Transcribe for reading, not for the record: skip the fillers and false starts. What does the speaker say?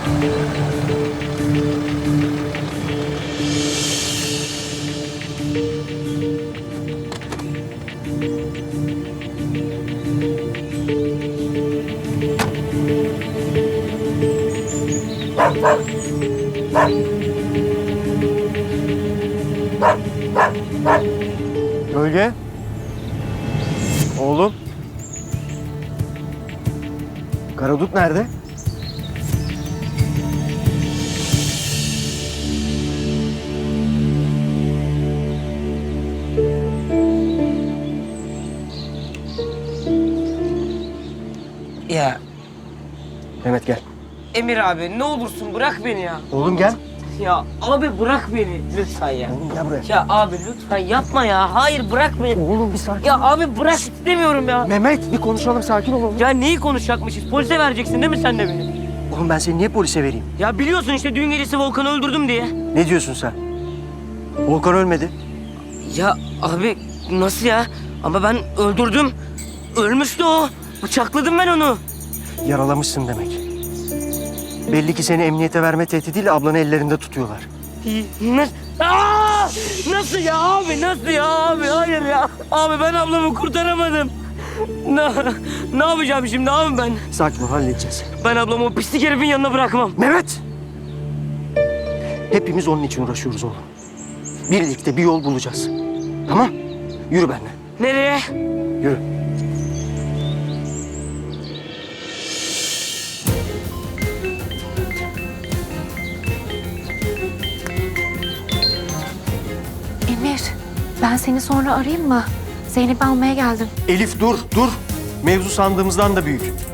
Gölge. Oğlum. Karadut nerede? Ya Mehmet gel. Emir abi ne olursun bırak beni ya. Oğlum gel. Ya abi bırak beni lütfen ya. Oğlum gel buraya. Ya abi lütfen yapma ya. Hayır bırak beni. Oğlum bir sakin Ya ol. abi bırak istemiyorum ya. Mehmet bir konuşalım, sakin ol oğlum. Ya neyi konuşacakmışız? Polise vereceksin değil mi sen de beni? Oğlum ben seni niye polise vereyim? Ya biliyorsun işte düğün gecesi Volkan'ı öldürdüm diye. Ne diyorsun sen? Volkan ölmedi. Ya abi nasıl ya? Ama ben öldürdüm. Ölmüştü o. Bıçakladım ben onu. Yaralamışsın demek. Belli ki seni emniyete verme tehdidiyle ablanı ellerinde tutuyorlar. Nasıl ya abi? Nasıl ya abi? Hayır ya. Abi ben ablamı kurtaramadım. Ne yapacağım şimdi abi ben? Sakin ol, halledeceğiz. Ben ablamı o pislik herifin yanına bırakmam. Mehmet! Hepimiz onun için uğraşıyoruz oğlum. Birlikte bir yol bulacağız. Tamam? Yürü benimle. Nereye? Yürü. Emir, ben seni sonra arayayım mı? Zeynep'i almaya geldim. Elif dur, dur. Mevzu sandığımızdan da büyük.